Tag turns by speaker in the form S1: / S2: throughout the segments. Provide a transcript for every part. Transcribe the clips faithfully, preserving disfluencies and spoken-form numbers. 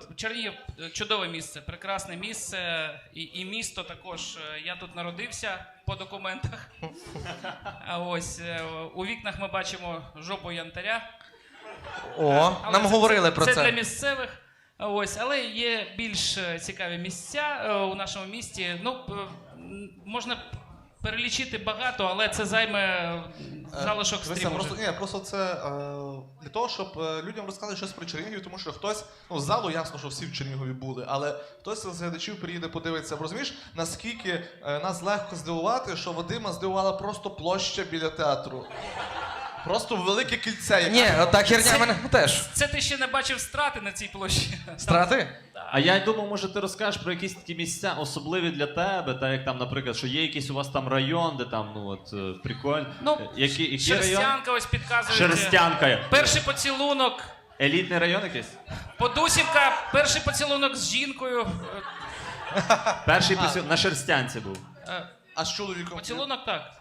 S1: Чернігів чудове місце, прекрасне місце і, і місто також. Я тут народився по документах. А ось е, у вікнах ми бачимо жопу янтаря.
S2: О,
S1: Але
S2: нам
S1: це,
S2: говорили
S1: це,
S2: про
S1: це
S2: це.
S1: для місцевих. А Ось, але є більш е, цікаві місця е, у нашому місті. Ну, п- м, можна перелічити багато, але це займе залишок
S3: Дивися,
S1: стріму.
S3: просто,
S1: вже.
S3: ні, просто це е, для того, щоб е, людям розказати щось про Чернігів, тому що хтось, ну з залу ясно, що всі в Чернігові були, але хтось з глядачів приїде подивитися. Розумієш, наскільки е, нас легко здивувати, що Вадима здивувала просто площа біля театру. Просто велике кільце. яке-
S2: Ні, та херня
S1: Це-
S2: мене теж.
S1: Це ти ще не бачив страти на цій площі.
S2: Страти?
S4: А я думав, може, ти розкажеш про якісь такі місця особливі для тебе, так як там, наприклад, що є якийсь у вас там район, де там, ну от, е, прикольно.
S1: Ну,
S4: Які, який район?
S1: Шерстянка ось підказує.
S4: Шерстянка.
S1: Перший поцілунок.
S4: Елітний район якийсь?
S1: Подусівка, перший поцілунок з жінкою.
S4: Перший посіл на Шерстянці був.
S1: Е,
S3: А з чоловіком?
S1: Поцілунок так.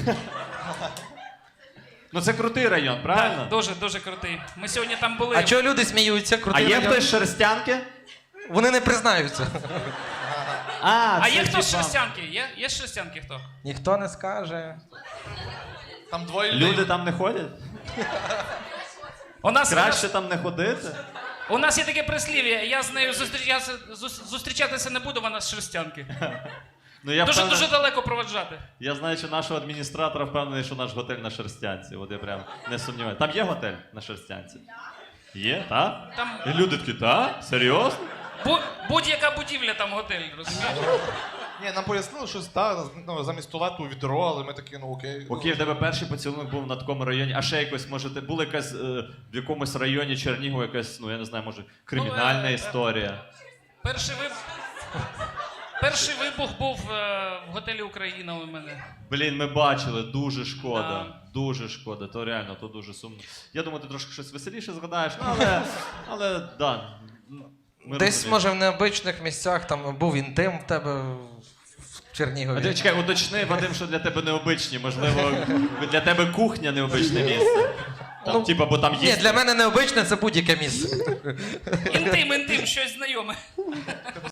S4: Ну це крутий район, правильно?
S1: Так, дуже, дуже крутий. Ми сьогодні там були.
S2: А чого люди сміються?
S4: А
S2: Крутий
S4: є
S2: район.
S4: хтось з Шерстянки?
S2: Вони не признаються.
S4: А,
S1: А
S4: це
S1: є хто з
S4: типа-
S1: Шерстянки? Є? Є з Шерстянки хто?
S2: Ніхто не скаже.
S3: Там двоє людей.
S4: Люди там не ходять?
S1: У нас, у нас,
S4: Краще там не ходити?
S1: у нас є таке прислів'я, я з нею зустрічатися, зус- зустрічатися не буду, вона з Шерстянки.
S4: Ну, я,
S1: Дуже,
S4: впевнений-
S1: дуже далеко проведжати.
S4: я знаю, що нашого адміністратора впевнений, що наш готель на Шерстянці. От я прям не сумніваюся. Там є готель на Шерстянці? Є, так?
S1: Там
S4: І люди такі, так? Серйозно?
S1: бу- будь-яка будівля там готель, розумієш?
S3: Ні, нам пояснили, що та, ну, замість туалету відро, але ми такі, ну окей.
S4: Окей, в тебе перший поцілунок був на такому районі, а ще якось, може, ти була якась е, в якомусь районі Чернігова, якась, ну я не знаю, може, кримінальна
S1: Ну, е, е,
S4: історія.
S1: Перший вибух. Перший вибух був е, в готелі Україна у мене.
S4: Блін, ми бачили, дуже шкода.
S1: Да.
S4: Дуже шкода, то реально, то дуже сумно. Я думаю, ти трошки щось веселіше згадаєш, ну, але, але да. Ми
S2: Десь,
S4: розуміємо.
S2: може, в необичних місцях там був інтим в тебе в
S4: А
S2: Чернігові.
S4: ти чекай, уточни, Вадим, що для тебе необичні. Можливо, для тебе кухня необичне місце. Там,
S2: Ну,
S4: типа, бо там
S2: Ні,
S4: є.
S2: для мене необичне це будь-яке місце.
S1: Інтим, інтим, щось знайоме.